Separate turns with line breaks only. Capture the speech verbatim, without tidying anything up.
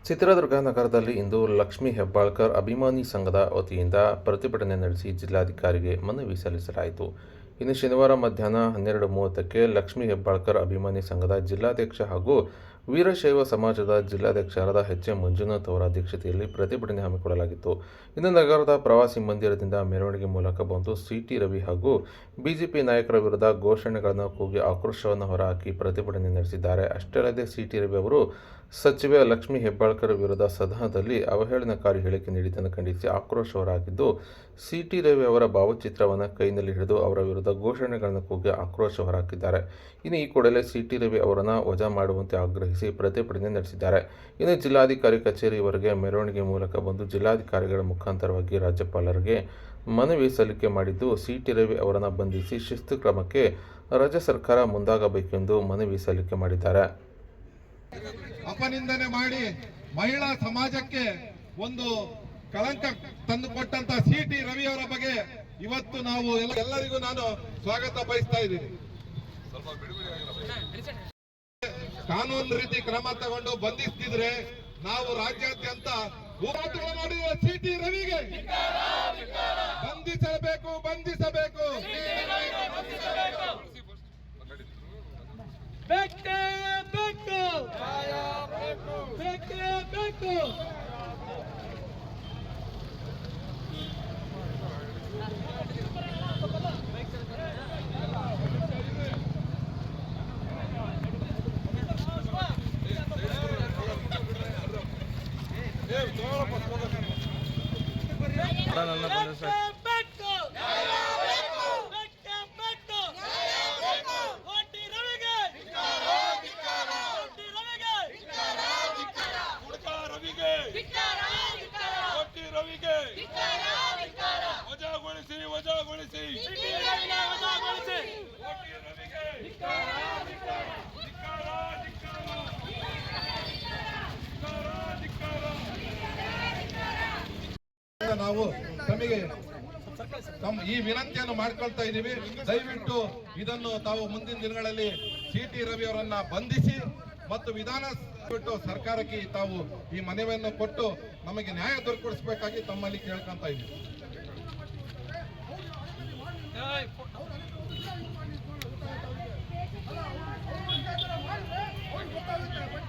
ಚಿತ್ರದುರ್ಗ ನಗರದಲ್ಲಿ ಇಂದು ಲಕ್ಷ್ಮೀ ಹೆಬ್ಬಾಳ್ಕರ್ ಅಭಿಮಾನಿ ಸಂಘದ ವತಿಯಿಂದ ಪ್ರತಿಭಟನೆ ನಡೆಸಿ ಜಿಲ್ಲಾಧಿಕಾರಿಗೆ ಮನವಿ ಸಲ್ಲಿಸಲಾಯಿತು. ಇನ್ನು ಶನಿವಾರ ಮಧ್ಯಾಹ್ನ ಹನ್ನೆರಡು ಮೂವತ್ತಕ್ಕೆ ಲಕ್ಷ್ಮೀ ಹೆಬ್ಬಾಳ್ಕರ್ ಅಭಿಮಾನಿ ಸಂಘದ ಜಿಲ್ಲಾಧ್ಯಕ್ಷ ಹಾಗೂ ವೀರಶೈವ ಸಮಾಜದ ಜಿಲ್ಲಾಧ್ಯಕ್ಷರಾದ ಎಚ್ ಎಂ ಮಂಜುನಾಥ್ ಅವರ ಅಧ್ಯಕ್ಷತೆಯಲ್ಲಿ ಪ್ರತಿಭಟನೆ ಹಮ್ಮಿಕೊಳ್ಳಲಾಗಿತ್ತು. ಇನ್ನು ನಗರದ ಪ್ರವಾಸಿ ಮಂದಿರದಿಂದ ಮೆರವಣಿಗೆ ಮೂಲಕ ಬಂದು ಸಿಟಿ ರವಿ ಹಾಗೂ ಬಿಜೆಪಿ ನಾಯಕರ ವಿರುದ್ಧ ಘೋಷಣೆಗಳನ್ನು ಕೂಗಿ ಆಕ್ರೋಶವನ್ನು ಹೊರಹಾಕಿ ಪ್ರತಿಭಟನೆ ನಡೆಸಿದ್ದಾರೆ. ಅಷ್ಟೇ ಅಲ್ಲದೆ ಸಿಟಿ ರವಿ ಅವರು ಸಚಿವೆ ಲಕ್ಷ್ಮೀ ಹೆಬ್ಬಾಳ್ಕರ್ ವಿರುದ್ಧ ಸದನದಲ್ಲಿ ಅವಹೇಳನಕಾರಿ ಹೇಳಿಕೆ ನೀಡಿದ್ದನ್ನು ಖಂಡಿಸಿ ಆಕ್ರೋಶ ಹೊರಹಾಕಿದ್ದು, ಸಿಟಿ ರವಿ ಅವರ ಭಾವಚಿತ್ರವನ್ನು ಕೈನಲ್ಲಿ ಹಿಡಿದು ಅವರ ವಿರುದ್ಧ ಘೋಷಣೆಗಳನ್ನು ಕೂಗಿ ಆಕ್ರೋಶ ಹೊರಹಾಕಿದ್ದಾರೆ. ಇನ್ನು ಈ ಕೂಡಲೇ ಸಿಟಿ ರವಿ ಅವರನ್ನು ವಜಾ ಮಾಡುವಂತೆ ಆಗ್ರಹಿಸಿ ಪ್ರತಿಭಟನೆ ನಡೆಸಿದ್ದಾರೆ. ಇನ್ನು ಜಿಲ್ಲಾಧಿಕಾರಿ ಕಚೇರಿವರೆಗೆ ಮೆರವಣಿಗೆ ಮೂಲಕ ಬಂದು ಜಿಲ್ಲಾಧಿಕಾರಿಗಳ ಮುಖಾಂತರವಾಗಿ ರಾಜ್ಯಪಾಲರಿಗೆ ಮನವಿ ಸಲ್ಲಿಕೆ ಮಾಡಿದ್ದು, ಸಿಟಿ ರವಿ ಅವರನ್ನು ಬಂಧಿಸಿ ಶಿಸ್ತು ಕ್ರಮಕ್ಕೆ ರಾಜ್ಯ ಸರ್ಕಾರ ಮುಂದಾಗಬೇಕೆಂದು ಮನವಿ ಸಲ್ಲಿಕೆ ಮಾಡಿದ್ದಾರೆ.
ಅಪನಿಂದನೆ ಮಾಡಿ ಮಹಿಳಾ ಸಮಾಜಕ್ಕೆ ಒಂದು ಕಳಂಕ ತಂದುಕೊಟ್ಟಂತ ಸಿಟಿ ರವಿ ಅವರ ಬಗ್ಗೆ ಇವತ್ತು ನಾವು ಎಲ್ಲರಿಗೂ ನಾನು ಸ್ವಾಗತ ಬಯಸ್ತಾ ಇದ್ದೀನಿ. ಕಾನೂನು ರೀತಿ ಕ್ರಮ ತಗೊಂಡು ಬಂಧಿಸ್ತಿದ್ರೆ ನಾವು ರಾಜ್ಯಾದ್ಯಂತ ಹೋರಾಟಗಳು ಮಾಡಿರುವ ಸಿಟಿ ರವಿಗೆ ಬಂಧಿಸಬೇಕು ಬಂಧಿಸಬೇಕು
ಬೇಕೇ ಬೇಕು ಬೇಕೇ ಬೇಕು.
ವಜಾಗೊಳಿಸಿ ವಜಾಗೊಳಿಸಿ ನಾವು ತಮಗೆ ತಮ್ಮ ಈ ವಿನಂತಿಯನ್ನು ಮಾಡ್ಕೊಳ್ತಾ ಇದ್ದೀವಿ. ದಯವಿಟ್ಟು ಇದನ್ನು ತಾವು ಮುಂದಿನ ದಿನಗಳಲ್ಲಿ ಸಿಟಿ ರವಿ ಅವರನ್ನ ಬಂಧಿಸಿ ಮತ್ತು ವಿಧಾನ ಬಿಟ್ಟು ಸರ್ಕಾರಕ್ಕೆ ತಾವು ಈ ಮನವಿಯನ್ನು ಕೊಟ್ಟು ನಮಗೆ ನ್ಯಾಯ ದೊರಕಿಸಬೇಕಾಗಿ ತಮ್ಮಲ್ಲಿ ಕೇಳ್ಕೊಂತ ಇದ್ದೀವಿ.